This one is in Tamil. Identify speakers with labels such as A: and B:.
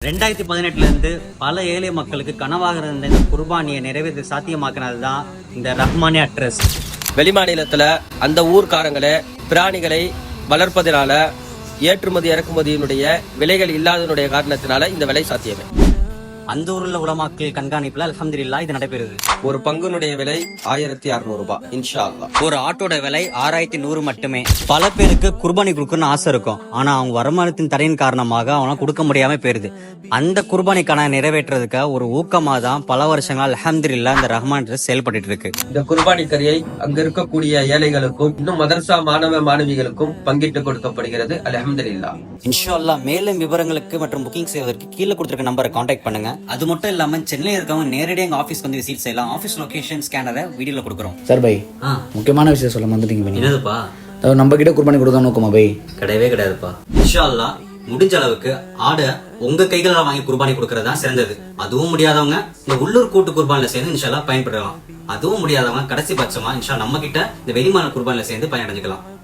A: 2018 இருந்து பல ஏழை மக்களுக்கு கனவாக இருந்த இந்த குர்பானியை நிறைவேற்ற சாத்தியமாக்கினது தான் இந்த ரஹ்மானியா ட்ரஸ்ட்.
B: வெளிமாநிலத்துல அந்த ஊர்க்காரங்களே பிராணிகளை வளர்ப்பதனால ஏற்றுமதி இறக்குமதியினுடைய விலைகள் இல்லாதனுடைய காரணத்தினால இந்த விலை சாத்தியமே.
A: அந்த ஊர்ல உலமாக்கள் கண்காணிப்புல அல்ஹம்துலில்லாஹ் இது நடைபெறுது.
B: ஒரு பங்குனுடைய விலை 1600 ரூபாய் இன்ஷா அல்லாஹ்.
A: ஒரு ஆட்டோட விலை 6100 மட்டுமே. பல பேருக்கு குர்பானி கொடுக்கணும்னு ஆசை இருக்கும், ஆனா அவங்க வருமானத்தின் தடையின் காரணமாக அவங்களால கொடுக்க முடியாம போயிருது. அந்த குர்பானிக்கான நிறைவேற்றுறதுக்கு ஒரு ஊக்கமா தான் பல வருஷங்களா அல்ஹம்துலில்லாஹ் இந்த ரஹ்மான் ட்ரஸ்ட் செயல்பட்டு இருக்கு.
B: இந்த குர்பானி கரியை அங்க இருக்கக்கூடிய ஏழைகளுக்கும் இன்னும் மதரசா மாணவ மாணவிகளுக்கும் பங்கிட்டு கொடுக்கப்படுகிறது. அல்ஹம்துலில்லாஹ்.
A: இன்ஷா அல்லாஹ். மேலும் விவரங்களுக்கு மற்றும் புக்கிங் செய்வதற்கு கீழே கொடுத்திருக்க நம்பரை கான்டாக்ட் பண்ணுங்க. அது மட்டும் இல்லாம சென்னையில் இருக்கவங்க நேரடியாக எங்க ஆபீஸ் வந்து விசிட் செய்யலாம். ஆபீஸ் லொகேஷன் ஸ்கேனரை வீடியோல கொடுக்குறோம்.
C: சார் பை முக்கியமான விஷயம் சொல்ல வந்துட்டீங்க.
A: என்னதுப்பா?
C: நம்ம கிட்ட குர்பானி கொடுக்க நோக்கமா பை?
A: கிடையவே கிடையாதுப்பா. இன்ஷா அல்லாஹ் முடிஞ்ச அளவுக்கு ஆடை உங்க கைகளால் வாங்கி குர்பானி கொடுக்கறதா சிறந்தது. அதுவும் முடியாதவங்க இந்த உள்ளூர் கூட்டு குர்பானில சேர்ந்து இன்ஷா அல்லாஹ் பயன்படுத்தலாம். அதுவும் முடியாதவங்க கடைசி பட்சமா இன்ஷா நம்ம கிட்ட இந்த வெளிமான குர்பானில சேர்ந்து பயனடைஞ்சுக்கலாம்.